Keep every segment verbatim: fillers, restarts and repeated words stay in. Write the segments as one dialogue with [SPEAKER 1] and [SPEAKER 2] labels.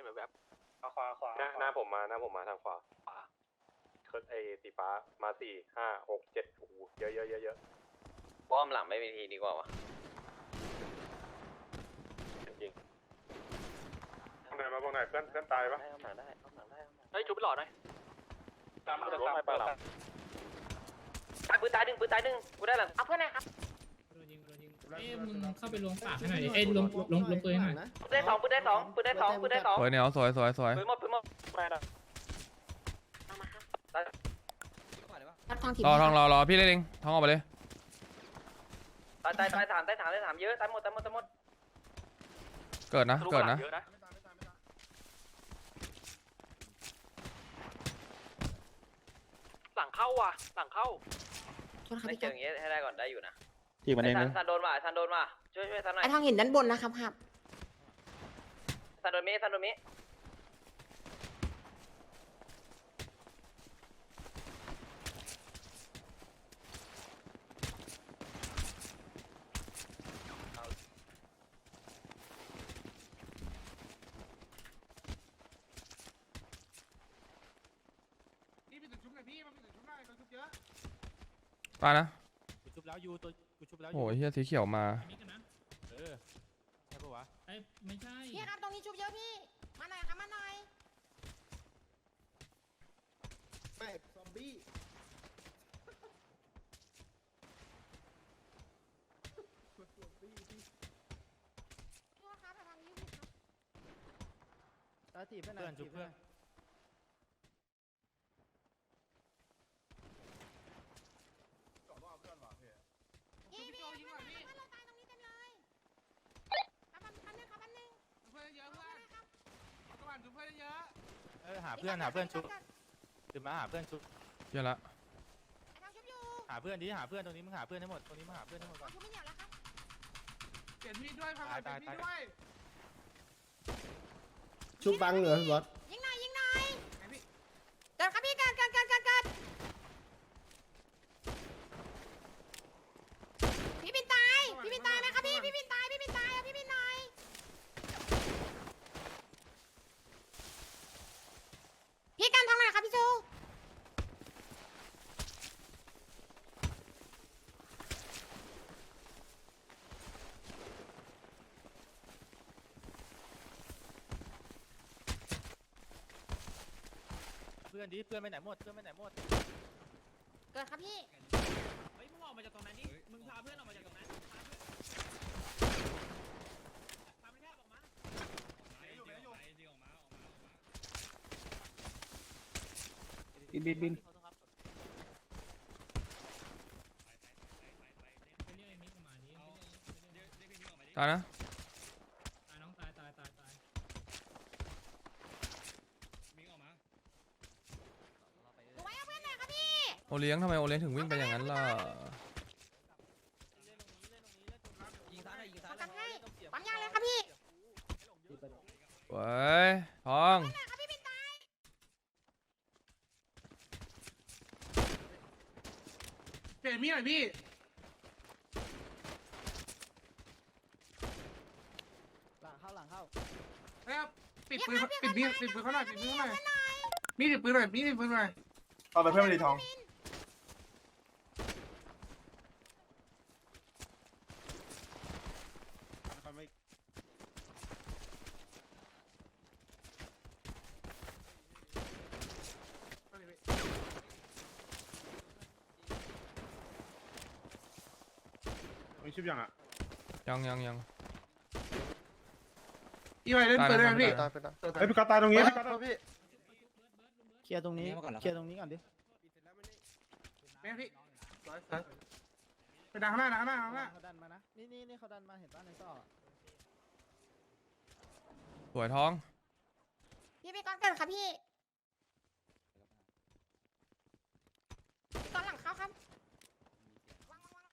[SPEAKER 1] แบบ
[SPEAKER 2] ขวาขวาหน้าหน้าผมมาหน้าผมมาทางขวาขวาไอ้สีฟ้ามาสี่ห้าหกเจ็ดโอ้โหเยอะเยอะเยอะเยอะ
[SPEAKER 3] ป้อมหลังไม่มีทีดีกว่าวะ
[SPEAKER 2] จริงตรงไหนมาตรงไหนเพื่อนเพื่อนตายปะ
[SPEAKER 3] ได้หลังได้หลังได้
[SPEAKER 1] เฮ้ยจุ๊บไปหล่อหน่อย
[SPEAKER 2] ตามมาตามมาตาม
[SPEAKER 3] ตายปืนตายหนึ่งปืนตายหนึ่งกูได้หลังเอาเพื่อนไหนครับ
[SPEAKER 4] เอ้ยมึงเข้าไปลงปากให้หน่อยดิเอ้ยลงลงลงปืนให้หน่อย
[SPEAKER 3] ปืนได้สองปืนได้สองปืนได้สองปืนได้สอง
[SPEAKER 5] สวยเนี่ยสวยสวยสวย
[SPEAKER 3] ปืนหมดปืนหมด
[SPEAKER 1] ไม่นะ
[SPEAKER 6] รับทางถิ่น
[SPEAKER 5] รอทองรอรอพี่เล่นเองทองออกไปเลย
[SPEAKER 3] ตายตายตายถามตายถามตายถามเยอะตายหมดตายหมดตายหมด
[SPEAKER 5] เกิดนะเกิดนะ
[SPEAKER 1] เยอะนะหลังเข้าว่ะหลังเข้า
[SPEAKER 6] โทษครับ
[SPEAKER 3] ไม่
[SPEAKER 6] พี่
[SPEAKER 3] เจ
[SPEAKER 6] ค
[SPEAKER 3] อ
[SPEAKER 6] รับ
[SPEAKER 3] อย่างเงี้ยให้ได้ก่อนได้อยู่นะ
[SPEAKER 7] ที่มันเอง
[SPEAKER 3] ซั
[SPEAKER 7] นะ
[SPEAKER 3] นซันโดนมาซันโดนมาช่วยช่วยซันหน่อย
[SPEAKER 6] ไอ้ทางหินด้านบนนะครับครับ
[SPEAKER 3] ซันโดนมิซันโดนมิ
[SPEAKER 5] ตายนะ
[SPEAKER 7] กูชุบแล้วยูตัวกูชุบแล้ว
[SPEAKER 5] โอ้ยเฮียสีเขียวมา
[SPEAKER 4] มิกันนะ
[SPEAKER 7] เออใช่ปะวะ
[SPEAKER 4] เอ้ยไม่ใช่
[SPEAKER 6] พี่ครับตรงนี้ชุบเยอะพี่มาหน่อยครับมาหน่อย
[SPEAKER 8] แม่ซอมบี้
[SPEAKER 6] โทษครับทางนี้พี่ครับ
[SPEAKER 8] ตาถีบเพื่อน
[SPEAKER 7] เพื่อนชุบเพื่อน
[SPEAKER 6] พี่พี่เพื่อนเพื่อนเราตายตรงนี้เต็มเลยครับแป๊บนึงครับแป๊บนึง
[SPEAKER 1] เพื่อนเยอะเพื่อนกวนเพื่อนเยอะ
[SPEAKER 7] เออหาเพื่อนหาเพื่อนชุบตื่นมาหาเพื่อนชุบ
[SPEAKER 5] เฮียละ
[SPEAKER 6] ไอ้ทางชุบอยู่
[SPEAKER 7] หาเพื่อนดิหาเพื่อนตรงนี้มึงหาเพื่อนให้หมดตรงนี้มึงหาเพื่อนให้หมดก่อน
[SPEAKER 6] ชุบไม่เหนียวแล้วครับ
[SPEAKER 1] เปลี่ยนมีดด้วยพัง
[SPEAKER 7] ตายตายตาย
[SPEAKER 8] ชุบบังเหรอพี่บอส
[SPEAKER 6] ยิงหน่อยยิงหน่อยเกิดครับพี่เกิดเกิดเกิดเกิดเกิดพี่ปินตายพี่ปินตายไหมครับพี่พี่ปินตายพี่ปินตายเอาพี่ปินหน่อยพี่กันทางไหนครับพี่จู
[SPEAKER 7] เพื่อนดิเพื่อนไปไหนหมดเพื่อนไปไหนหมด
[SPEAKER 6] เกิดครับพี่
[SPEAKER 4] เฮ้ยมึงออกมาจากตรงนั้นดิมึงพาเพื่อนออกมาจากตรงนั้นพาเพื่อนออกมา
[SPEAKER 7] บินบินบิน
[SPEAKER 4] ไปเรียกไอ้มิกมาดิ
[SPEAKER 5] ตายนะ
[SPEAKER 4] ตายน้องตายตายตายตาย
[SPEAKER 6] หนูไว้เอาเพื่อนหน่อยครับพี่
[SPEAKER 5] โอเลี้ยงทำไมโอเลี้ยงถึงวิ่งไปอย่างนั้นล่ะ
[SPEAKER 3] ยิงซ้ายหน่อยยิง
[SPEAKER 6] ข
[SPEAKER 3] ซ้า
[SPEAKER 6] อย
[SPEAKER 3] หน่
[SPEAKER 6] กั
[SPEAKER 3] อย
[SPEAKER 6] นให้ปั๊มยาเลยครับพี่
[SPEAKER 5] เว้ยทอง
[SPEAKER 6] เพื่อนหน่อยครับพี่ปินตาย
[SPEAKER 1] เปลี่ยนมีดหน่อยพี่
[SPEAKER 8] หลังเข้าหลังเข้า
[SPEAKER 1] นะครับปิดปืนปิดมีดปิดปืนเขาหน่อยปิดปืนเขาหน่อยมีดปิดปืนหน่อยมีดปิดปืนหน่อย
[SPEAKER 2] เอาไปเพื่อนมาดีทองมีชิปยังอ่ะ
[SPEAKER 5] ยังยังยัง
[SPEAKER 1] อีไวเล่นปืนได้ไหมพี่
[SPEAKER 2] ตายไปตายไอ้พี่กาตายตรงนี้พี่กาตายพี่
[SPEAKER 7] เคลียร์ตรงนี้เคลียร์ตรงนี้ก่อนดิ
[SPEAKER 1] แม่พี่ไปดังข้างหน้าดังข้างหน้าดังข้างหน้า
[SPEAKER 8] เขาดันมานะนี่นี่นี่เขาดันมาเห็นป่ะในซอก
[SPEAKER 5] สวยทอง
[SPEAKER 6] พี่ไปก่อนเกิดครับพี่พี่ก่อนหลังเขาครับวางวางวาง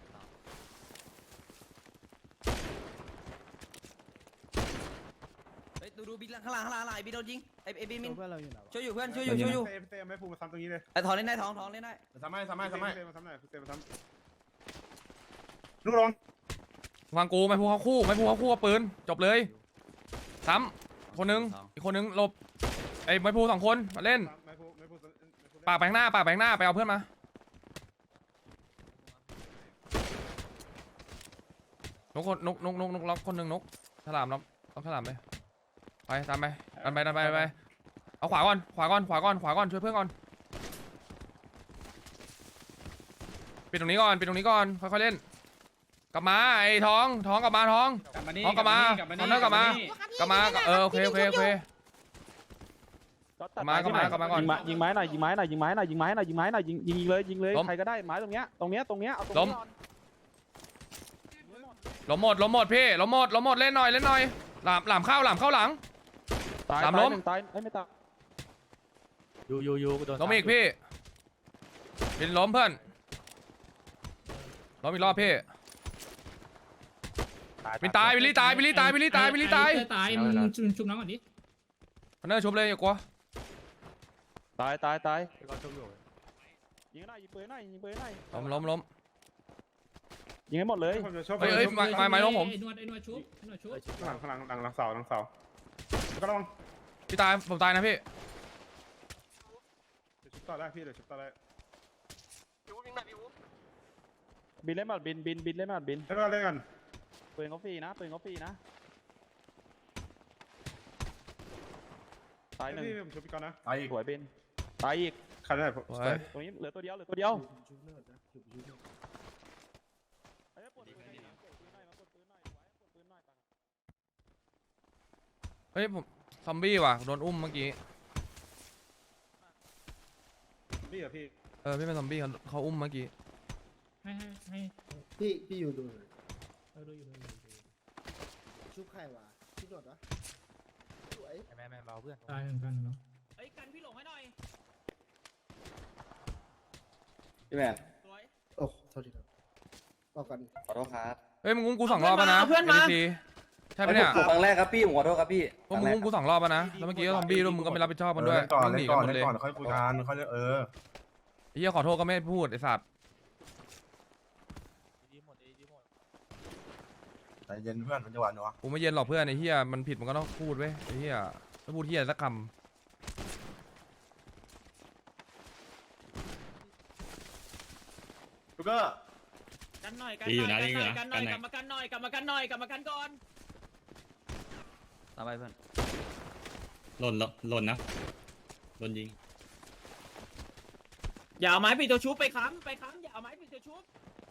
[SPEAKER 3] เฮ้ยดูดูบินข้างล่างข้างล่างอะไรบินโดนยิงไอ้ไอ้บินมิน
[SPEAKER 8] เพื่อนเราอยู่ไหนวะ
[SPEAKER 3] ช่วยอยู่เพื่อนช่วยอยู่ช่วยอยู่
[SPEAKER 2] เต้เต้ไม่พูดมาซ้ำตรงนี้เลย
[SPEAKER 3] ไอ้ทองเล่นได้ทองทองเล่นได้
[SPEAKER 2] ซ้ำให้ซ้ำให้ซ้ำให้เต้มาซ้ำหน่อยเต้มาซ้ำลูกลอง
[SPEAKER 5] ฟังกูไม่พูดเขาคู่ไม่พูดเขาคู่เอาปืนจบเลยซ้คนนึงอีกคนนึงหลบไอ้ไม้พูสองคนมาเล่นปากแบงหน้าปากแบงหน้าไปเอาเพื่อนมานกคนนกนกนกนกล็อกคนหนึ่งนกฉลามล็อกล็อกฉลามไปไปตามไปดันไปดันไปดันไปเอาขวาก่อนขวาก่อนขวาก่อนขวาก่อนช่วยเพื่อนก่อนปิดตรงนี้ก่อนปิดตรงนี้ก่อนค่อยๆเล่นกลับมาไอ้ท้องท้องกลับมาท้องท้องกลับมาท้องเลิกกลับมากลับมาเออโอเคโอเคโอเคกลับมากลับมากลับมาก่อน
[SPEAKER 7] ยิงไม้หน่อยยิงไม้หน่อยยิงไม้หน่อยยิงไม้หน่อยยิงไม้หน่อยยิงยิงเลยยิงเลยใครก็ได้ไม้ตรงเนี้ยตรงเนี้ยตรงเนี้ยเอาตรงนี้
[SPEAKER 5] ล้มหมดล้มหมดพี่ล้มหมดล้มหมดเล่นหน่อยเล่นหน่อยหลามหลามเข้าหลามเข้าหลัง
[SPEAKER 7] ตาย
[SPEAKER 5] สามล้ม
[SPEAKER 7] ตายไม่ตายยูยูยูโดน
[SPEAKER 5] ล้มอีกพี่บินล้มเพื่อนล้มอีกรอบพี่บินตายบิลลี่ตายบิลลี่ตายบิลลี่ตายบิลลี่ตาย
[SPEAKER 4] ไอ้ตายมึงชุบชุบน้องก่อนดิ
[SPEAKER 5] พันเนอร์ชุบเลยอย่ากลัว
[SPEAKER 7] ตายตายตายยิงหน่อยยิงปืนหน่อยยิงปืนหน่อย
[SPEAKER 5] ล้มล้มล้ม
[SPEAKER 7] ยิงให้หมดเลย
[SPEAKER 5] เฮ้ยเฮ้ยมามามาล้มผม
[SPEAKER 4] ไอ้นวดไอ้นวดชุบไอ้นวดชุบ
[SPEAKER 1] หลังหลังหลังหลังเสาหลังเสาแล้วก็ระวัง
[SPEAKER 5] พี่ตายผมตายนะพี่
[SPEAKER 1] เดี๋ยวชุบต่อได้พี่เดี๋ยวชุบต่อได้
[SPEAKER 7] บินเล่นบัดบินบินบินเล่นบัดบิน
[SPEAKER 1] แล้วก็เล่นกัน
[SPEAKER 7] ปืนเขาฟรีนะปืนเขาฟรีนะตายหนึ่ง
[SPEAKER 1] พี่ผมชุบพี่ก่อนนะ
[SPEAKER 7] สวยบินตายอีก
[SPEAKER 1] ใครได้ผม
[SPEAKER 5] โอ้ย
[SPEAKER 7] ตรงนี้เหลือตัวเดียวเหลือตัวเดียว
[SPEAKER 5] เฮ้ยผมซอมบี้ว่ะโดนอุ้มเมื่อกี้
[SPEAKER 1] พี่เหรอพี่
[SPEAKER 5] เออพี่เป็นซอมบี้เขาเขาอุ้มเมื่อกี้
[SPEAKER 4] ให้ให้ให้
[SPEAKER 8] พี่พี่อยู่ดูหน่อย
[SPEAKER 4] เออดูอยู่ดูอยู่ดูอยู่
[SPEAKER 8] ชุบใครวะชุบโดดวะสวย
[SPEAKER 7] แม่แม่เบาเพื่อน
[SPEAKER 4] ตายเหมือนกันเนาะ
[SPEAKER 3] เฮ้ยกันพี่หลงให้หน่อย
[SPEAKER 9] พี่แมน
[SPEAKER 3] สวย
[SPEAKER 8] โอ้โทษทีครับบอกกัน
[SPEAKER 9] ขอโทษครับ
[SPEAKER 5] เฮ้ยมึงอุ้มกูสองรอบแล้วนะ
[SPEAKER 3] เพื่อนมา
[SPEAKER 5] เอดีซีใช่ปะเนี่ย
[SPEAKER 9] ผมครั้งแรกครับพี่ผมขอโทษครับพี่
[SPEAKER 5] พวกมึงอุ้มกูสองรอบแล้วนะแล้วเมื่อกี้ก็ซอมบี้ด้วยมึงก็ไม่รับผิดชอบมันด้วย
[SPEAKER 1] ก่อน
[SPEAKER 5] วิ่งห
[SPEAKER 1] เล่
[SPEAKER 5] นี
[SPEAKER 1] น
[SPEAKER 5] กั
[SPEAKER 1] ก่อน
[SPEAKER 5] นหมดเลย
[SPEAKER 1] เล่นก่อนค่อยคุยกันค่อยเออ
[SPEAKER 5] ไอ้เหี้ยขอโทษก็ไม่พูดไอ้สัตว์
[SPEAKER 1] ใจเย็นเพื่อนมันจะหวานเนาะ
[SPEAKER 5] กูไม่เย็นหรอกเพื่อนไอ้เหี้ยมันผิดมันก็ต้องพูดเว้ยไอ้เหี้ยถ้าพูดเหี้ยสักค
[SPEAKER 1] ลูกก็
[SPEAKER 3] กันหน่อยกันหน่อยกันหน่อยกันหน่อยกลับมากันหน่อยกลับมากันหน่อยกลับมากันก่อน
[SPEAKER 9] ตามไปเพื่อน
[SPEAKER 10] หล่นแล้วหล่นนะโดนยิง
[SPEAKER 3] อย่าเอาไม้ปิดตัวชุบไปค้ำไปค้ำอย่าเอาไม้ปิดตัวชุบ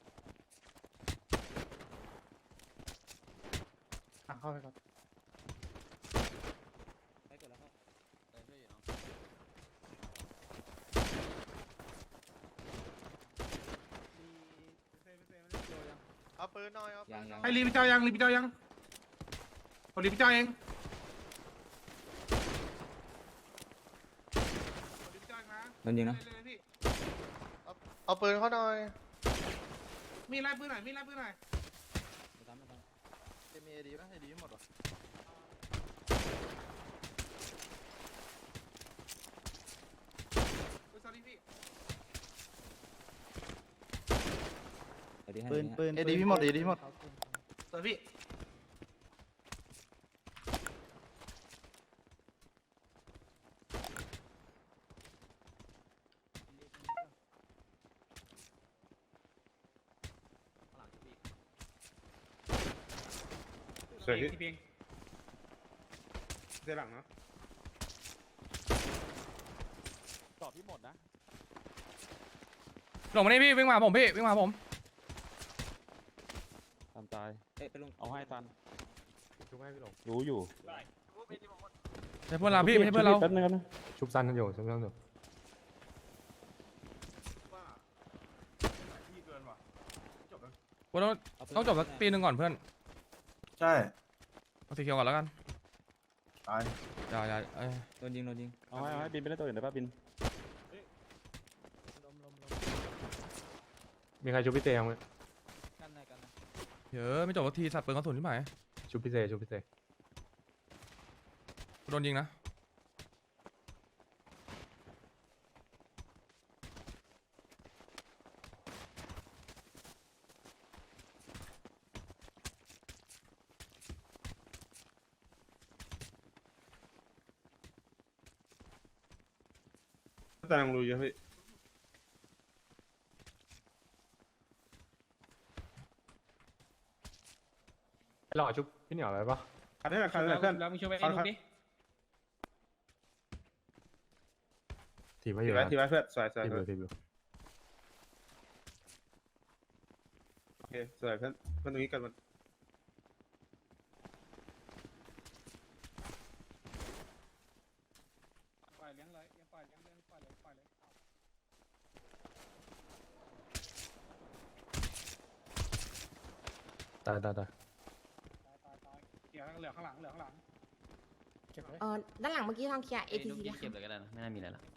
[SPEAKER 7] เข้าไปครับ
[SPEAKER 8] เอาปืนหน่อยเอา
[SPEAKER 9] ยังยัง
[SPEAKER 1] ให้รีบเจ้ายังรีบเจ้ายังผมรีบเจ้าเองรีบเจ้านะ
[SPEAKER 9] โดนยิงนะ
[SPEAKER 1] เลยพี่
[SPEAKER 8] เอาปืนเขาหน่อย
[SPEAKER 1] มีไล่ปืนหน่อยมีไล่ปืนหน่อย
[SPEAKER 8] มีเอดีป่ะเอดีหมดวะ
[SPEAKER 1] อุ้ย sorry พี่
[SPEAKER 8] ปืนปืนเอดีพี่หมดเอดีหมด
[SPEAKER 1] sorry พี่
[SPEAKER 10] เสียพี่
[SPEAKER 1] เสียหลังนะ
[SPEAKER 7] ตอบพี่หมดนะ
[SPEAKER 5] ำหลงมานี่พี่วิ่งมาหาผมพี่วิ่งมาหาผม
[SPEAKER 7] ตามตาย
[SPEAKER 9] เอ๊ะไปลง
[SPEAKER 7] เอาให้ตัน
[SPEAKER 1] ชุบให้พี่หลง
[SPEAKER 7] รู้อยู่
[SPEAKER 5] ใช่เพื่อนเราพี่ไม่ใช่เพื่อนเรา
[SPEAKER 7] แป๊บนึงนะ
[SPEAKER 1] ชุบสั้นกันอยู่ชุบสั้นอยู่พี่เกินว่ะจบแล้ว
[SPEAKER 5] กูต้องต้องจบสักปีหนึ่งก่อนเพื่อน
[SPEAKER 1] ใช่
[SPEAKER 5] เอาสีเขียวก่อนแล้วกัน
[SPEAKER 1] ตาย
[SPEAKER 5] อย่าอย่าเอ้ย
[SPEAKER 9] โดนยิงโดนยิง
[SPEAKER 7] เอาให้เอาให้บินไปเล่นตัวอื่นได้ป่ะบิน
[SPEAKER 1] มีใครชุบพี่เตยังไหม
[SPEAKER 9] กันหน่อยกันหน่อย
[SPEAKER 5] เยอะไม่จบสักทีสัตว์ปืนกระสุนที่ไหน
[SPEAKER 1] ชุบพี่เตชุบพี่เต
[SPEAKER 5] กูโดนยิงนะ
[SPEAKER 7] แต่ยังรู้เยอะพี่
[SPEAKER 2] หล่อชุบพี่เหนียวอะไรปะ
[SPEAKER 7] คันนี้แหละคันนี้แหละเพื่อน
[SPEAKER 3] แล้วมึงช่วยไปไอ้ลูกดิ
[SPEAKER 2] ถีบไว้อ
[SPEAKER 7] ที
[SPEAKER 2] ยู่
[SPEAKER 7] ไว้
[SPEAKER 2] นะ
[SPEAKER 7] ทีไว้เพื่อนสวยสวย
[SPEAKER 2] ถีบ
[SPEAKER 7] ส
[SPEAKER 2] อ
[SPEAKER 7] วย
[SPEAKER 2] ยู่ถีบอยู่
[SPEAKER 7] โอเคสวยเพื่อนเพื่อนตรงนี้กันมัน
[SPEAKER 3] ปล่อยเลี้ยงเลยปล่อยเลี้ยงเลี้ยงปล่อยเลยปล่อยเลย
[SPEAKER 2] ตายตายตาย
[SPEAKER 3] ตายตายตายเดี๋ยวเหลือข้างหลังเหลือข้างหลังเก็บไว้
[SPEAKER 6] เออด้านหลังเมื่อกี้ทองเคลียร์ เอ ที ซี
[SPEAKER 9] เก็บเลยก็ได้นะไม่น่ามีอะไรละ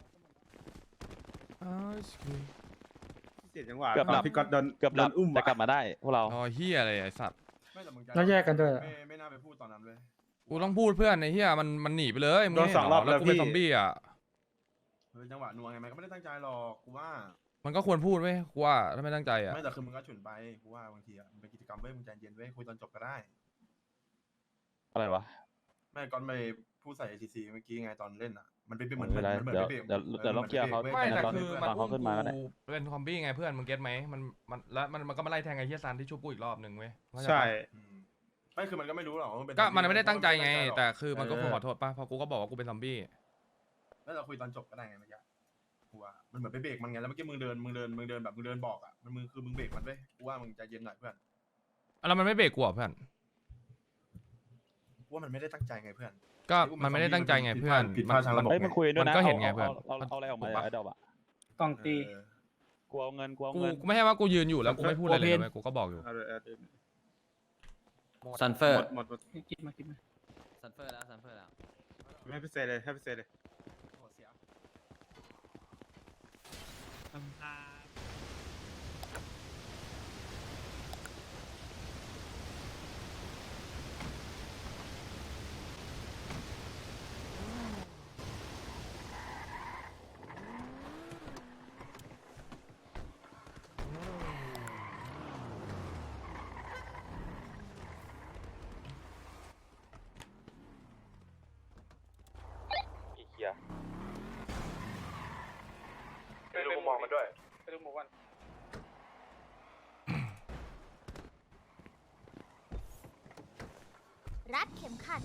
[SPEAKER 7] เจ็ดจังหวะ
[SPEAKER 5] เกือบดับ
[SPEAKER 7] พี่ก๊อตโดน
[SPEAKER 5] เกือบดับ
[SPEAKER 7] โดนอุ้ม
[SPEAKER 5] แต่กลับ
[SPEAKER 7] อะ
[SPEAKER 5] มาได้พวกเราอ๋อเฮียอะไรไอ้สัตว์
[SPEAKER 7] แล้วแยกกันด้วยไม่ไม่น่าไปพูดตอนนั้นเลย
[SPEAKER 5] กูต้องพูดเพื่อนไอ้เฮียมันมันหนีไปเลยมึง
[SPEAKER 7] โดน
[SPEAKER 5] ไม่
[SPEAKER 7] สองรอบ
[SPEAKER 5] เห็นเหแล้ว
[SPEAKER 7] แล้ว
[SPEAKER 5] กูเป็น
[SPEAKER 7] พี่
[SPEAKER 5] ซอมบี้อ่ะ
[SPEAKER 7] เฮ้ยจังหวะนัวไงมันก็ไม่ได้ตั้งใจหรอกกูว่า
[SPEAKER 5] มันก็ควรพูดไหมกูว่าถ้าไม่ตั้งใจอ่ะ
[SPEAKER 7] ไม่แต่คือมึงก็ฉุนไปกูว่าบางทีอ่ะมันเป็นกิจกรรมเว้ยมึงใจเย็นเว้ยคุยตอนจบก็ได้
[SPEAKER 5] อะไรวะ
[SPEAKER 7] ไม่ก่อนไปพูดใส่ เอ ที ซี เมื่อกี้ไงตอนเล่นอ่ะมันเป็นเหมือน
[SPEAKER 5] ไม่เป็นไร
[SPEAKER 7] มันเหมือน
[SPEAKER 5] เดี๋ยว
[SPEAKER 7] ไม่บรก
[SPEAKER 5] เดี๋ยวเดี๋ยวลองเคลียร์เขา
[SPEAKER 7] ว้
[SPEAKER 5] ไม่
[SPEAKER 7] ว้
[SPEAKER 5] แต่
[SPEAKER 7] ว้
[SPEAKER 5] คือ
[SPEAKER 7] ว้
[SPEAKER 5] มัน
[SPEAKER 7] ว้
[SPEAKER 5] อุ้มกูเป็นซอมบี้ไงเพื่อนมึงเก็ตไหมมันมันแล้วมันมันก็มาไล่แทงไอ้เฮียซันที่ชุบกูอีกรอบหนึ่งเว้ยเข้าจ
[SPEAKER 7] ใช่
[SPEAKER 5] ปะ
[SPEAKER 7] อืมไม่คือมันก็ไม่รู้หรอกว่ามันเป็น
[SPEAKER 5] ก็มันไม่ได้ตั้งใจไง
[SPEAKER 7] ม่ด้
[SPEAKER 5] แต่
[SPEAKER 7] ตั้งจหรก
[SPEAKER 5] คือมันก็ควรขอโทษป่ะเพราะกูก็บอกว่ากูเป็นซอมบี้
[SPEAKER 7] แล้วเราคุยตอนจบก็ได้ไงเมื่อกี้กูว่ามันเหมือนไปเบรกมันไงแล้วเมื่อกี้มึงเดินมึงเดินมึงเดินแบบมึงเดินบอกอ่ะมันมึงคือมึงเบรกมันเว้ยกูว่ามึงใจเย็นหน่อยเพื่อน
[SPEAKER 5] แล้วมันไม่เบรกกูอ่ะเพื่อน
[SPEAKER 7] กูว่ามันไม่ได้ตั้งใจไงเพื่อน
[SPEAKER 5] ก็มันไม่ได้ตั้งใจไงเพื่อน
[SPEAKER 7] ผิดพลาดทางระบบ
[SPEAKER 5] เอ้ยมันคุยด้วยนะมันก็เห็นไง
[SPEAKER 7] อา
[SPEAKER 5] เพื่อน
[SPEAKER 7] เอาเอาเอาอะไรออกมาไอ้ดอกอ่ะ
[SPEAKER 3] กล่องตี
[SPEAKER 7] เออ
[SPEAKER 5] กูเอาเงินกูกูไม่ใช่ว่ากูยืนอยู่แล้วกูไม่พูดอะไรเลย
[SPEAKER 7] โอเค
[SPEAKER 5] เว้ยกูก็บอกอยู่
[SPEAKER 7] เอาเลยเอาเลย
[SPEAKER 9] ซันเฟอร์
[SPEAKER 7] หมดหมดหมด
[SPEAKER 3] กินมากินมา
[SPEAKER 9] ซันเฟอร์แล้วซันเฟอร์แล้ว
[SPEAKER 7] ให้พิเศษเลยให้พิเศษเลย
[SPEAKER 4] ทำพา
[SPEAKER 5] กี่เคีย
[SPEAKER 2] ไปดูมุมมองมันด้วย
[SPEAKER 3] ไปดูหมูวัน
[SPEAKER 6] รัดเข็มขัด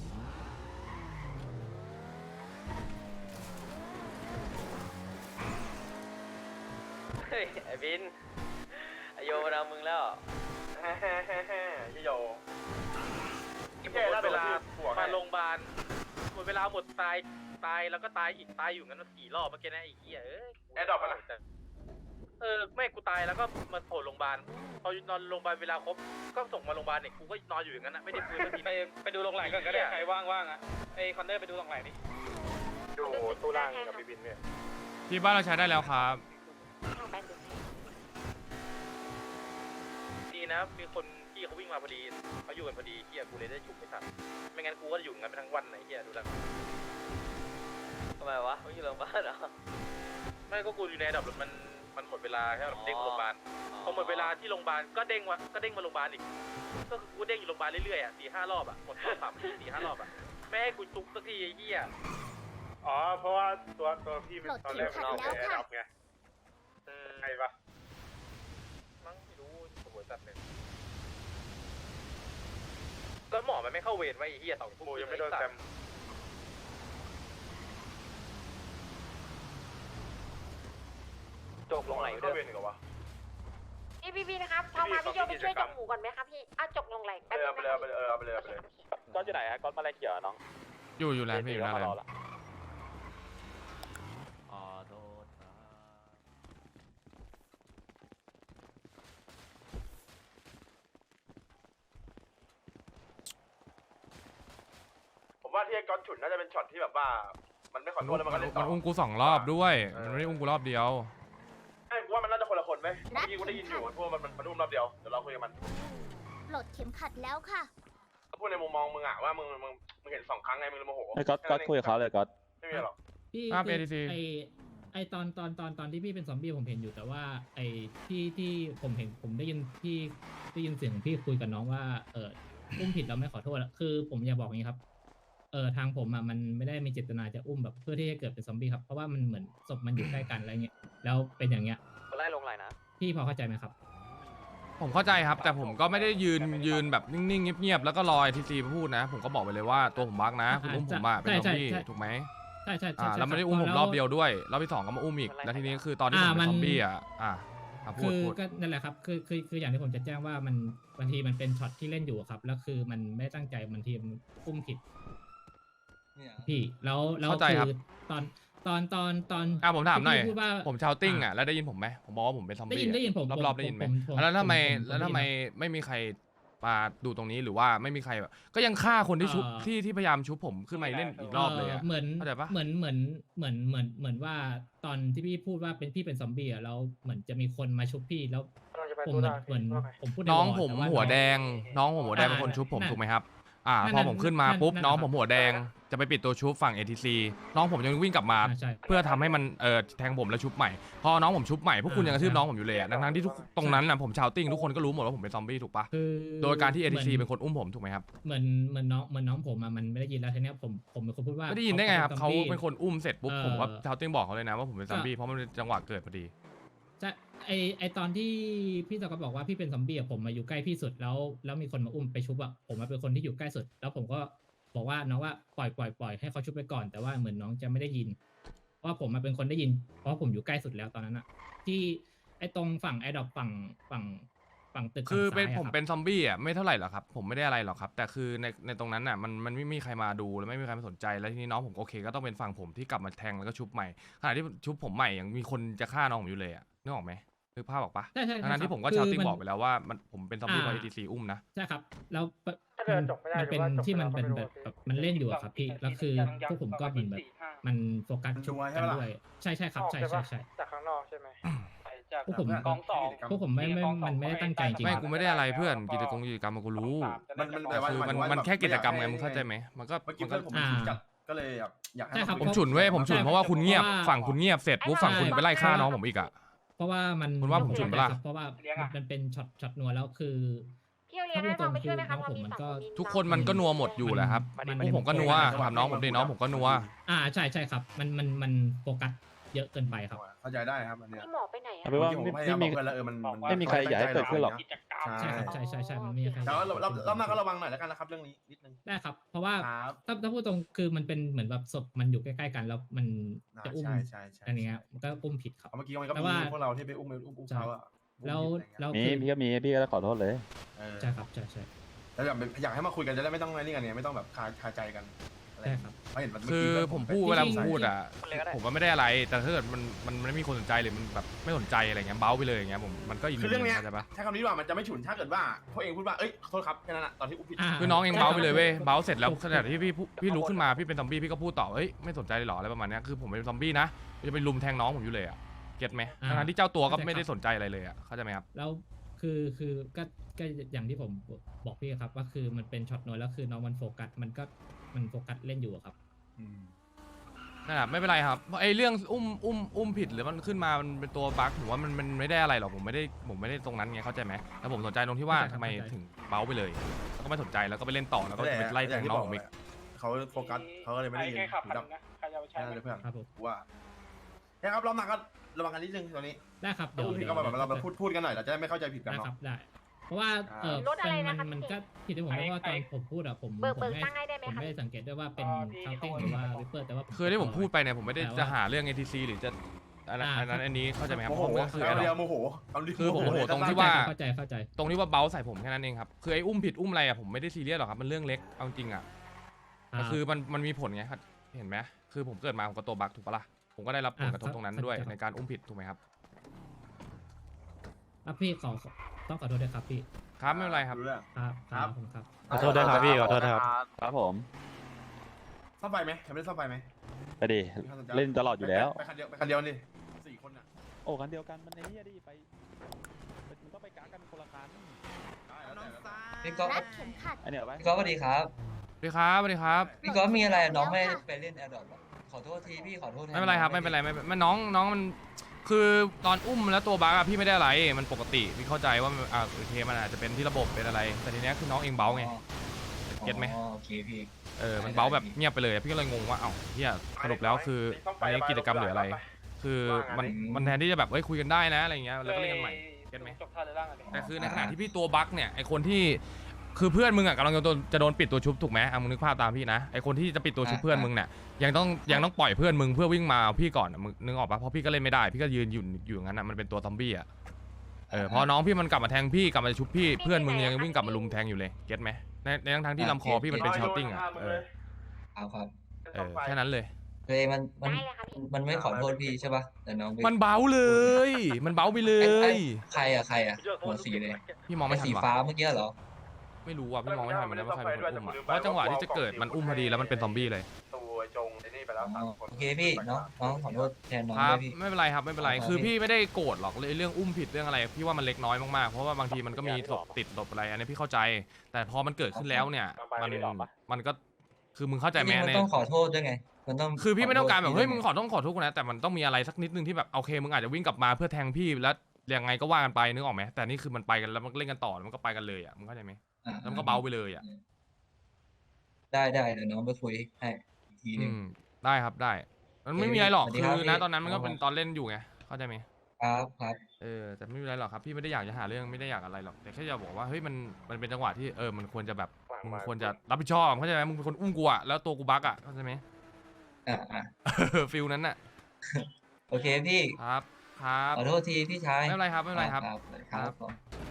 [SPEAKER 9] เฮ้ยไอ้บินไอโยมาเอามึงแล้ว
[SPEAKER 2] ฮ่าฮ่าฮ่าฮ่ายี่โย
[SPEAKER 3] แค่เวลามาโรงพยาบาลหมดเวลาหมดตายตายแล้วก็ตายอีกตายอยู่งั้นสี่รอบเมื่อกี้นะไอ้เหี้ยเอ้ย
[SPEAKER 2] แอดดอปอะนะ
[SPEAKER 3] เออแม่กูตายแล้วก็มาโผล่โรงพยาบาลพอนอนโรงพยาบาลเวลาครบก็ส่งมาโรงพยาบาลเนี่ยกูก็นอนอยู่อย่างนั้นนะไม่ได้ฟื้นสักทีไปไปดูโรงไหลก่อนก็ได้ใครว่างๆอ่ะไอคอนเนอร์ไปดูโรงไหลดิ
[SPEAKER 2] ดูตู้ล่างกับพี่บินเนี่ย
[SPEAKER 5] ที่บ้านเราใช้ได้แล้วครับ
[SPEAKER 3] ดีนะมีคนที่เขาวิ่งมาพอดีเขาอยู่กันพอดีเฮียกูเลยได้ฉุกไม่ทันไม่งั้นกูก็อยู่กันไปทั้งวันไหนเฮียดูแล้ว
[SPEAKER 9] ทำไมวะไม่อยู่โรงพยาบาลเหรอ
[SPEAKER 3] ไม่ก็กูอยู่ในระดับมันมันหมดเวลาแค่เด้งมาโรงพยาบาลพอหมดเวลาที่โรงพยาบาลก็เด้งวะก็เด้งมาโรงพยาบาลอีกก็คือกูเด้งอยู่โรงพยาบาลเรื่อยๆอ่ะสี่ห้ารอบอ่ะหมดรอบสามสี่ห้ารอบอ่ะไม่ให้กูจุกสักทีไอ้เหี้ย
[SPEAKER 2] อ๋อเพราะว่าตัวตัวพี่
[SPEAKER 6] ปลด
[SPEAKER 2] ตอนแรก
[SPEAKER 6] เข็
[SPEAKER 2] มัน
[SPEAKER 6] มขัด
[SPEAKER 2] เอา
[SPEAKER 6] แล้วค่ะ
[SPEAKER 2] แอร์ดับไงใครปะ
[SPEAKER 3] มั้งไม่รู้หัวจัดเลยแล้วหมอมันไม่เข้าเวรไว้ไอ้เหี้ยสองทุ่ม
[SPEAKER 2] โมยังไม่โดนแซม
[SPEAKER 9] จบลงไหล
[SPEAKER 2] เข้าเวรอีกเหรอวะ
[SPEAKER 6] พี่พี่พี่นะครับพอมาพี่โยไปช่วยจกหมูก่อนไหมครับพี่อ่ะจกลงไหล
[SPEAKER 2] เออเอาไปเลยเอาไปเลยเออเอาไปเลยเอาไปเลย
[SPEAKER 5] ก้อนอยู่ไหนอะก้อนมาอะไรเกี่ยวน้องอยู่อยู่แล้วพี่อยู่แล้ว
[SPEAKER 9] อ๋อโทษครับ
[SPEAKER 2] ผมว่าที่ไอ้ก๊อตฉุนน่าจะเป็นช็อตที่แบบว่า มันไม่ขอ
[SPEAKER 5] มัน
[SPEAKER 2] โทษแล้วมันก็เล่นต่
[SPEAKER 5] มั
[SPEAKER 2] อน
[SPEAKER 5] อุ้มกูสองรอบด้วย มันไม่ได้อุ้มกูรอบเดียว
[SPEAKER 2] ไอ้กูว่ามันน่าจะคนละคนไหมเมื่อกี้กูได้ยินอยู่พวกมันมันมันอุ้มรอบเดียวเดี๋ยวเราคุยกับมัน
[SPEAKER 6] ปลดเข็มขัดแล้วค่ะ
[SPEAKER 2] พูดในมุมมองมึงอะว่ามึงมึงมึงเห็นสองครั้งไงมึงเลยโมโห
[SPEAKER 5] ไอ้ก๊อตก๊อตคุยกับเขาเลยก๊อต
[SPEAKER 2] ไม่มีหรอก
[SPEAKER 4] พี่
[SPEAKER 5] ภาพ
[SPEAKER 4] คือ
[SPEAKER 5] เอ ที ซี
[SPEAKER 4] ไอไอตอนตอนตอนตอนที่พี่เป็นซอมบี้ผมเห็นอยู่แต่ว่าไอที่ที่ผมเห็นผมได้ยินพี่ได้ยินเสียงของพี่คุยกับน้องว่าเอออุ้มผิดแล้วไม่ขอโทษอะคือผมอยากบอกอย่างนี้ครับเออทางผมอ่ะมันไม่ได้มีเจตนาจะอุ้มแบบเพื่อที่จะเกิดเป็นซอมบี้ครับเพราะว่ามันเหมือนศพมันอยู่ใกล้กันอะไรเงี้ยแล้วเป็นอย่างเงี้ย
[SPEAKER 9] ไล่ลงไหลนะ
[SPEAKER 4] พี่พอเข้าใจไหมครับ
[SPEAKER 5] ผมเข้าใจครับ แต่ผมก็ไม่ได้ยืนยืนแบบนิ่งๆเงียบๆแล้วก็รอไอทีซีพูดนะ ผมก็บอกไปเลยว่าตัวผมบักนะคุณอุ้มผมอะเป็นซอมบี้ถูกไหม
[SPEAKER 4] ใช่ใช่ใช่
[SPEAKER 5] อ่า
[SPEAKER 4] ใช่
[SPEAKER 5] แล้วไม่ได้อุ้มผมรอบเดียวด้วยรอบที่สองก็มาอุ้มอีกแล้วทีนี้คือตอนที่ผมเป็นซอมบี้อ่ะอ่ะอ่ะพู
[SPEAKER 4] คื
[SPEAKER 5] ด
[SPEAKER 4] อ
[SPEAKER 5] พูด
[SPEAKER 4] ก็นั่นแหละครับคือคือคืออย่างที่ผมจะแจ้งว่ามันบางทีมันเป็นช็อตที่เล่นอยู่ครับแล้วคือมันไม่ตั้งใจบางทีมันอุ้มผิดพี่แล้วแล้วคือตอนตอนตอนตอน
[SPEAKER 5] อ่ะผมถามหน่อย
[SPEAKER 4] ที่พี่พูดว่า
[SPEAKER 5] ผมชาวติ้งอ่ะแล้วได้ยินผมไหมผมบอกว่าผมเป็นซอม
[SPEAKER 4] ได้
[SPEAKER 5] บี้
[SPEAKER 4] ยินได้ยินผม
[SPEAKER 5] รอบๆได้ยินไหม
[SPEAKER 4] ผมผม
[SPEAKER 5] แล้วทำไม
[SPEAKER 4] ผมผม
[SPEAKER 5] แล้วทำไม
[SPEAKER 4] ได้ยิน
[SPEAKER 5] ไม่มีใครมาดูตรงนี้หรือว่าไม่มีใครแบบก็ยังฆ่าคนที่ชุบ
[SPEAKER 4] เอ่อ
[SPEAKER 5] ที่ที่พยายามชุบผมขึ้นมาเล่นอีกรอบเลยอ่ะ
[SPEAKER 4] เหมือน
[SPEAKER 5] เข้าใจปะ
[SPEAKER 4] เหมือนเหมือนเหมือนเหมือนเหมือนว่าตอนที่พี่พูดว่าเป็นพี่เป็นซอมบี้อ่ะแล้วเหมือนจะมีคนมาชุบพี่แล้วผมเหมือนเหมือนผมพูดใ
[SPEAKER 5] น้อง
[SPEAKER 4] วร์
[SPEAKER 5] ผม
[SPEAKER 4] แต่า
[SPEAKER 5] หัว
[SPEAKER 4] น้อง
[SPEAKER 5] แดง น้องผมหัวแดง
[SPEAKER 4] อ่า
[SPEAKER 5] เป็นคนชุบผม
[SPEAKER 4] นั่น
[SPEAKER 5] ถูกไหมครับอ่า
[SPEAKER 4] นั่น
[SPEAKER 5] พอผมขึ้นมา
[SPEAKER 4] นั่น
[SPEAKER 5] ปุ๊บ
[SPEAKER 4] นั่น
[SPEAKER 5] น้อง
[SPEAKER 4] นะครับ
[SPEAKER 5] ผมหัวแดงจะไปปิดตัวชุบฝั่ง เอ ที ซี น้องผมยังวิ่งกลับมา
[SPEAKER 4] อ่าใช่
[SPEAKER 5] เพื่อทำให้มันเออแทงผมแล้วชุบใหม่พอน้องผมชุบใหม่พวกคุณ
[SPEAKER 4] อ่า
[SPEAKER 5] ยังกระทืบ
[SPEAKER 4] ใช่
[SPEAKER 5] น้องผมอยู่เลยอะทั้งๆที่ทุกตรงนั้นน่ะผมชาวติ้งทุกคนก็รู้หมดว่าผมเป็นซอมบี้ถูกปะ
[SPEAKER 4] คือ
[SPEAKER 5] โดยการที่ เอ ที ซี
[SPEAKER 4] หมื
[SPEAKER 5] เป็นคนอุ้มผมถูกไหมครับ
[SPEAKER 4] เหมือนเหมือนน้องเหมือนน้องผมอะมันไม่ได้ยินแล้วทีเนี้ยผมผมเป็นคนพูดว่า
[SPEAKER 5] ไม่ได้ยินได้ไงครับเขา
[SPEAKER 4] ซอมบี้
[SPEAKER 5] เป็นคนอุ้มเสร็จปุ๊บ
[SPEAKER 4] เอ่อ
[SPEAKER 5] ผมก็ชาวติ้งบอกเขาเลยนะว่าผมเป็นซอมบี้
[SPEAKER 4] ก็
[SPEAKER 5] เพราะมันเป็นจังหวะเกิดพอดี
[SPEAKER 4] ใช่ไอไอตอนที่พี่ตะก็บอกว่าพี่เป็นซอมบี้อะผมมาอยู่ใกล้พี่สุดแล้วแล้วมีคนมาอุ้มไปชุบอะผมมาเป็นคนที่อยู่ใกล้สุด แล้วผมก็บอกว่าน้องว่าปล่อยปล่อยปล่อยให้เขาชุบไปก่อนแต่ว่าเหมือนน้องจะไม่ได้ยินเพราะว่าผมมาเป็นคนได้ยิน เพราะผมอยู่ใกล้สุดแล้วตอนนั้นอะที่ไอตรงฝั่งไอดอปฝั่งฝั่งฝั่งตึก
[SPEAKER 5] คือ
[SPEAKER 4] ฝั่ง
[SPEAKER 5] เป็น
[SPEAKER 4] ซ้ายะ
[SPEAKER 5] ผม
[SPEAKER 4] รับ
[SPEAKER 5] เป็นซอมบี้อ่ะไม่เท่าไหร่หรอกครับผมไม่ได้อะไรหรอกครับ แต่คือในในตรงนั้นอ่ะมันมันไม่มีใครมาดูแล้วไม่มีใครมาสนใจแล้วทีนี้น้องผมโอเคก็ต้องเป็นฝั่งผมที่กลับมาแทงแล้วก็ชุบใหม่ขณะที่ชุบผมใหม่ยังมีคนจะฆ่าน้องผมอยู่เลยอ่ะนึกออกไหมนึกภาพออกปะ
[SPEAKER 4] ใช่ใช่
[SPEAKER 5] ทั้งนั้นที่ผมก็
[SPEAKER 4] คื
[SPEAKER 5] ชาวติ้ง
[SPEAKER 4] มัน
[SPEAKER 5] บอกไปแล้วว่ามันผมเป็นซอมบี้เพราะ
[SPEAKER 4] อ่า
[SPEAKER 5] เอ ที ซี อุ้มนะ
[SPEAKER 4] ใช่ครับ แล้วปะ
[SPEAKER 3] ถ้าเกิดจบไม่ได้
[SPEAKER 4] มันเป็น
[SPEAKER 3] หรือว่าจบ
[SPEAKER 4] ที่มัน
[SPEAKER 3] ไป
[SPEAKER 4] เป็น
[SPEAKER 3] แล้ว
[SPEAKER 4] แบบ
[SPEAKER 3] ก็ไม่รู้
[SPEAKER 4] แบบมันเล่นอยู่อะครับพี่ แล้วคือพวกผมก็เหมือนแบบ มันโฟกัส
[SPEAKER 7] มัน
[SPEAKER 4] ชุบ
[SPEAKER 7] นัวใช่
[SPEAKER 4] กัน
[SPEAKER 7] ปะล่ะ
[SPEAKER 4] ด้วย ใช่ใช่ครับ ใช่ใช่ใช่
[SPEAKER 3] จากข้างนอกใช่ไหมจาก
[SPEAKER 4] พวกผม
[SPEAKER 3] กองสอง
[SPEAKER 4] พวกผมไม่ไม่มันไม่ได้ตั้งใจจริง
[SPEAKER 5] ไม่กูไม่ได้อะไรเพื่อนกิจกรรมกิจกรรมมันกูรู้
[SPEAKER 7] มันมันแต่ว่า
[SPEAKER 5] คือมัน
[SPEAKER 7] หายถึงว่า
[SPEAKER 5] มันแค่กิจกรรมไง
[SPEAKER 7] อยา
[SPEAKER 5] มึงเข้าใจไหมมันก็
[SPEAKER 7] เมื่อกี้
[SPEAKER 5] มันก็
[SPEAKER 7] เพื่อนผมมันฉุนจัดก็เลยแบบอยากให้
[SPEAKER 4] ใช่ครับ
[SPEAKER 7] า
[SPEAKER 5] ผม
[SPEAKER 7] คุย
[SPEAKER 5] ฉุนเว้ยผมฉุนเพราะว่าคุณเงียบ
[SPEAKER 4] เพราะว่า
[SPEAKER 5] ฝั่งคุณเงียบเสร็จปุ๊บฝั่งคุณไปไล่ฆ่าน้องผมอีกอ่ะ
[SPEAKER 4] เพราะว่ามัน
[SPEAKER 5] คุณว่าผมฉุนปะล่ะ
[SPEAKER 4] เพราะว่ามันเป็นช็อตช็อตนัวแล้วคือ
[SPEAKER 6] พี่เอาเรียนให้ฟังไปช่วยไหมคะพอมีสองคนมี
[SPEAKER 5] ทุกคนมันก็นัวหมดอยู่แหละครับ
[SPEAKER 4] มัน
[SPEAKER 5] พวกผมก็นัวถามน้องผมดิน้องผมก็นัว
[SPEAKER 4] อ่าใช่ใช่ครับ มันมันมันโฟกัสเยอะเกินไปครับ
[SPEAKER 7] เข้าใจได้ครับอันเนี้ย
[SPEAKER 6] พี่หมอไปไหนอะ
[SPEAKER 10] เอาเป็นว่า
[SPEAKER 7] เมื่อกี้ผม
[SPEAKER 10] ไม่
[SPEAKER 7] พยายาม
[SPEAKER 10] ไม่
[SPEAKER 7] บ
[SPEAKER 10] มี
[SPEAKER 7] อกเพื่อนแล้วเออมันน
[SPEAKER 10] ไม่มีใครอยากให้เกิดขึ้นหรอก
[SPEAKER 4] ใช่ครับใช่ใช่ใช่มันไม่มีใคร
[SPEAKER 7] แต่ว่าเราเราเราหน้าก็ระวังหน่อยแล้วกันนะครับเรื่องนี้นิดนึง
[SPEAKER 4] ได้ครับ เพราะว่า
[SPEAKER 7] ครับ
[SPEAKER 4] ถ้าถ้าพูดตรงคือมันเป็นเหมือนแบบศพมันอยู่ใกล้ๆกันแล้วมันจะอุ้ม
[SPEAKER 7] ใช่ใช่ใช่
[SPEAKER 4] อันนี้ครับมันก็อุ้มผิดครับ
[SPEAKER 7] เอาเมื่อกี้มันก็
[SPEAKER 4] แต่
[SPEAKER 7] มี
[SPEAKER 4] ว่า
[SPEAKER 7] พวกเราที่ไปอุ้มไปอุ้มอุ้มเขาอะ
[SPEAKER 4] แล้วแล้ว
[SPEAKER 10] มี
[SPEAKER 4] คือ
[SPEAKER 10] พี่ก็มีพี่ก็ขอโทษเลย
[SPEAKER 7] เออ
[SPEAKER 4] ใช่ครับใช่ใช่
[SPEAKER 7] แล้วอยากอยากให้มาคุยกันจะได้ไม่ต้องอะไรนี่กันเนี่ยไม่ต้องแบบคาคาใจกันอะไร
[SPEAKER 4] ใช่ครับ
[SPEAKER 7] เพราะเห็นมันเมื่
[SPEAKER 5] คือ
[SPEAKER 7] กี้
[SPEAKER 5] ผมพูด
[SPEAKER 4] จริงๆ
[SPEAKER 5] เวลาผมพูดอ่ะผมว่าไม่ได้อะไร แต่ถ้าเกิดมันมันมันไม่มีคนสนใจหรือมันแบบไม่สนใจอะไรเงี้ยเบ้าไปเลยอย่างเงี้ยผมมันก็อีก
[SPEAKER 7] คือเรื่องเนี้ย
[SPEAKER 5] เข้าใจปะ
[SPEAKER 7] ถ้าคำนี้ดีกว่ามันจะไม่ฉุนถ้าเกิดว่าพวกเองพูดว่าเอ้ยขอโทษครับแค่นั้นแหละตอนที่อุ้มผิด
[SPEAKER 4] า
[SPEAKER 5] คือน้องเองเบ้าไปเลยเว้ยเบ้าเสร็จแล้ว
[SPEAKER 4] ถูก
[SPEAKER 5] ขณะที่พี่พูพี่ลุกขึ้นมาพี่เป็นซอมบี้พี่ก็พูดต่อเฮ้ยไม่สนใจเลยเหรออะไรประมาณเนี้ยคือผมเป็นซอมบี้นะจะไปลุมแทงน้องผมอยู่เลยอ่ะเก็ตไหมทั้งๆที่เจ้าตัวก็ไม่ได้สนใจอะไรเลยอ่ะเข้าใจไหมครับ
[SPEAKER 4] แล้วคือคือก็ก็อย่างที่ผมบอกพี่ครับว่าคือมันเป็นช็อตน้อยแล้วคือน้องมันโฟกัสมันก็มันโฟกัสเล่นอยู่อะครับ
[SPEAKER 5] นั่นแหละไม่เป็นไรครับไอ้เรื่องอุ้มอุ้มอุ้มผิดหรือมันขึ้นมามันเป็นตัวบั๊กผมว่ามันมันไม่ได้อะไรหรอกผมไม่ได้ผมไม่ได้ตรงนั้นไงเข้าใจไหมแต่ผมสนใจตรงที่ว่า
[SPEAKER 4] เข้าใจ
[SPEAKER 5] ทำไม
[SPEAKER 4] เข้าใจ
[SPEAKER 5] ถึงเบ้าไปเลยแล้วก็ไม่สนใจแล้วก็ไปเล่นต่อแล้วก็ไปไล่แทงน้องผมอีก
[SPEAKER 7] เขาโฟกัสเขาก็เลยไม่ได้ยิน
[SPEAKER 3] ใครขับ
[SPEAKER 7] หู
[SPEAKER 3] คัน
[SPEAKER 7] ดับ
[SPEAKER 3] นะใครจะเอาไปใช้
[SPEAKER 7] แค่นั้นเลยเพื่อน
[SPEAKER 4] ครับผม
[SPEAKER 7] ว่าใช่ครับเราหนักก็ระวังกันนิดนึงตอนนี้
[SPEAKER 4] ได้ครับ
[SPEAKER 7] ถ้า
[SPEAKER 4] เดี๋ยว
[SPEAKER 7] พูดผิดก็แบบเรามาพูดพูดกันหน่อยเราจะได้ไม่เข้าใจผิดกัน
[SPEAKER 4] ได้
[SPEAKER 7] เนาะ
[SPEAKER 4] ครับได้ เพราะว่าเออ
[SPEAKER 6] รถอะไร
[SPEAKER 4] มั
[SPEAKER 6] นะคะ
[SPEAKER 4] มัน
[SPEAKER 6] พี่
[SPEAKER 4] ก็ผิดที่ผมเพราะว่าตอนผมพูดอะผม
[SPEAKER 6] เบิก
[SPEAKER 4] ผม
[SPEAKER 6] เบิก
[SPEAKER 4] ไม่
[SPEAKER 6] ตั้งให้ได้ไหม
[SPEAKER 4] ผม
[SPEAKER 6] คะ
[SPEAKER 4] ไม่ได้สังเกตด้วยว่าเป็นคาเต้งหรือว่าวิปเปอร์แต่ว่าผม
[SPEAKER 5] คือที่ผมพูดไปเนี่ยผมไม่ได้
[SPEAKER 4] แต่ว่า
[SPEAKER 5] จะหาเรื่อง เอ ที ซี หรือจะอันนั้น
[SPEAKER 4] อ่า
[SPEAKER 5] อันนั้นอันนี้เข้าใจไหมครับ
[SPEAKER 7] โมโห
[SPEAKER 5] ผมก็คือ
[SPEAKER 7] เอา
[SPEAKER 5] ไอ้
[SPEAKER 7] เดีย
[SPEAKER 5] ด
[SPEAKER 7] วโมโหเอาเดียว
[SPEAKER 5] คือผมโมโหตรงที่
[SPEAKER 7] สั้นๆ
[SPEAKER 5] ว่า
[SPEAKER 4] เข้าใจเข้าใจ
[SPEAKER 5] ตรงที่ว่าเบ้าใส่ผมแค่นั้นเองครับคือไอ้อุ้มผิดอุ้มอะไรอะผมไม่ได้ซีเรียสหรอกครับมันเรื่องเล็กเอาจริงอะแต่คือมันมันมีผลไงครับเห็นไหมคือผมเกิดมาผมก็ตัวบั๊กถูกปะล่ะผมก็ได้รับผลกระทบตรงนั้นด้วยในการอุ้มผิดถูกไหมครับ
[SPEAKER 4] ครับพี่ขอขอต้องขอโทษด้วยครับพี่
[SPEAKER 5] ครับไม่เป็นไรครับ
[SPEAKER 7] รู้เรื่อง
[SPEAKER 4] ครับ
[SPEAKER 7] ครับ
[SPEAKER 4] ผมครับ
[SPEAKER 10] ขอโทษด้วยครับพี่ขอโทษครับครับผม
[SPEAKER 7] ซ่อมไฟไหมยังไม่ได้ซ่อมไฟไหม
[SPEAKER 10] ไปดิเล่นตลอดอยู่แล้ว
[SPEAKER 7] ไปคันเดียวไปคันเดียวนี่สี่คนน่ะ
[SPEAKER 10] โอ้กันเดียวกันมันในนี้ดิไปมันต้องไปกากันคนละคัน
[SPEAKER 7] ได้แล้วแต่แล้วแต่
[SPEAKER 11] พี่ก๊อฟ
[SPEAKER 6] รัดเข็มขัด
[SPEAKER 10] อันเนี้ยไป
[SPEAKER 11] พี่ก๊อฟสวัสดีครับ
[SPEAKER 5] สวัสดีครับสวัสดีครับ
[SPEAKER 11] พี่ก๊อฟมีอะไรน้องไม่
[SPEAKER 6] แล้วค่ะ
[SPEAKER 11] ไปเล่นแอร์ดอทขอโทษทีพี่ขอโทษแท
[SPEAKER 5] ไม่เป็นไรครับไม่เป็นไรไม่เป็นมันน้องน้องมันคือตอนอุ้มแล้วตัวบั๊กอะพี่ไม่ได้อะไรมันปกติพี่เข้าใจว่ามันอ่าโอเคมันอาจจะเป็นที่ระบบเป็นอะไร แต่ทีเนี้ยคือน้องเองเบ้าไง
[SPEAKER 11] อ๋
[SPEAKER 5] เก็ตไหม
[SPEAKER 11] อ๋อโอเคพี่
[SPEAKER 5] เออมันเบ้าแบบเงียบไปเลยพี่ก็เลยงงว่าเอ้าเฮียสรุปแล้วคืออันนี้กิจกรรมหรืออะไร คือมันมันแทนที่จะแบบเฮ้ยคุยกันได้นะอะไรเงี้ยแล้วก็เล่นกันใหม่เก็ตไหม
[SPEAKER 3] จบท่าเลยล่างอันนี้
[SPEAKER 5] แต่คือในขณะที่พี่ตัวบั๊กเนี่ยไอคนที่คือเพื่อนมึงอ่ะกำลังจะโดนจะโดนปิดตัวชุบถูกไหมอ่ะมึงนึกภาพตามพี่นะไอคนที่จะปิดตัวชุบเพื่อนมึงเนี่ยยังต้องยังต้องปล่อยเพื่อนมึงเพื่อวิ่งมาเอาพี่ก่อนอะมึงนึกออกปะเพราะพี่ก็เล่นไม่ได้พี่ก็ยืนอยู่อยู่อย่างนั้นอ่ะมันเป็นตัวซอมบี้อ่ะเออพอน้องพี่มันกลับมาแทงพี่กลับมาชุบพี่เพื่อนมึงยังวิ่งกลับมาลุมแทงอยู่เลยเก็ตไหมในในทั้งๆที่ลำคอพี่มันเป็นชาวติ้งอ่ะเออ
[SPEAKER 11] เอาครับ
[SPEAKER 5] เออแค่นั้นเลย
[SPEAKER 11] เฮ้ยมันมันมันไม่ขอโทษพี่ใช่ปะแต่น้องไป
[SPEAKER 5] มันเบ้าเลย มันเบ้าไปเล
[SPEAKER 11] ไอ้ไอ้
[SPEAKER 5] ย
[SPEAKER 11] ใครอะใครอะหัวสีเลย
[SPEAKER 5] พี่มองไม่
[SPEAKER 11] ไอ้
[SPEAKER 5] ทัน
[SPEAKER 11] สี
[SPEAKER 5] ว่ะ
[SPEAKER 11] ฟ้าเมื่อกี้เหรอ
[SPEAKER 5] ไม่รู้ว่ะพี่มองไม่ทันเหมือนกันว่าใครเป็นคนอุ้มอ่ะเพราะจังหวะที่จะเกิดมันอุ้มพอดีแล้วมันเป็นซอมบี้เลย
[SPEAKER 2] ตัวจงไอ้นี่ไปแล้วสามคน
[SPEAKER 11] โอเคพี่น้องน้องขอโทษแทนน้อง
[SPEAKER 5] ครั
[SPEAKER 11] ด้
[SPEAKER 5] บ
[SPEAKER 11] วยพี่
[SPEAKER 5] ไม่เป็นไรครับไม่เป็นไร
[SPEAKER 11] ครับ
[SPEAKER 5] คือพี่ไม่ได้โกรธหรอกเลยเรื่องอุ้มผิดเรื่องอะไรพี่ว่ามันเล็กน้อยมากๆเพราะว่าบางทีมันก็มีศพติดศพอะไรอันนี้พี่เข้าใจ แต่พอมันเกิดขึ้นแล้วเนี่ยมันมันก็คือมึงเข้าใจไหม
[SPEAKER 11] จริงๆมัน
[SPEAKER 5] ใน
[SPEAKER 11] ต้องขอโทษด้วยไงมันต้อง
[SPEAKER 5] คือพี่ไม่ต้องการแบบ
[SPEAKER 11] ขโทษ
[SPEAKER 5] เฮ้ยมึ
[SPEAKER 11] ด้
[SPEAKER 5] ง
[SPEAKER 11] ว
[SPEAKER 5] ขอต้องขอโทษกูนะแต่มันต้องมีอะไรสักนิดนึงที่แบบโอเคมึงอาจจะวิ่งกลับมาเพื่อแทงพี่แล้วยังไงก็ว่ากันไปนึกออกไหมแต่นี่คือมันไปกันแล้วมันเล่นกันต่อแล้วมันก็ไปกันเลยอ่ะมึงเข้าใจไหม
[SPEAKER 11] อ่า
[SPEAKER 5] แล้วมันก็เบาไปเลยอ่ะ
[SPEAKER 11] ได้ได้เดี๋ยวน้องไปคุยให้อีกทีหนึ
[SPEAKER 5] อื
[SPEAKER 11] ง
[SPEAKER 5] มได้ครับได้ มันไม่
[SPEAKER 11] โอเค
[SPEAKER 5] มีอะไรหรอก
[SPEAKER 11] สวัสดี
[SPEAKER 5] คื
[SPEAKER 11] ครับ
[SPEAKER 5] อ
[SPEAKER 11] พี่
[SPEAKER 5] นะตอนนั้นมันก็
[SPEAKER 11] ครับ
[SPEAKER 5] เป็นตอนเล่นอยู่ไงเข้าใจไหม
[SPEAKER 11] ครับครับ
[SPEAKER 5] เออแต่ไม่มีอะไรหรอกครับพี่ไม่ได้อยากจะหาเรื่องไม่ได้อยากอะไรหรอกแต่แค่จะบอกว่าเฮ้ยมันมันเป็นจังหวะที่เออมันควรจะแบบมึงควรจะรับผิดชอบเข้าใจไหมมึงเป็นคนอุ้มกูอะแล้วตัวกูบั๊กอะเข้าใจไหม
[SPEAKER 11] อ่าอ่า
[SPEAKER 5] ฟิลนั้นน่ะ
[SPEAKER 11] โอเคพี่
[SPEAKER 5] ครับครับ
[SPEAKER 11] ขอโทษทีพี่ชาย
[SPEAKER 5] ไม่เป็นไรครับไม่เป็นไรครับ
[SPEAKER 11] ครับครับผม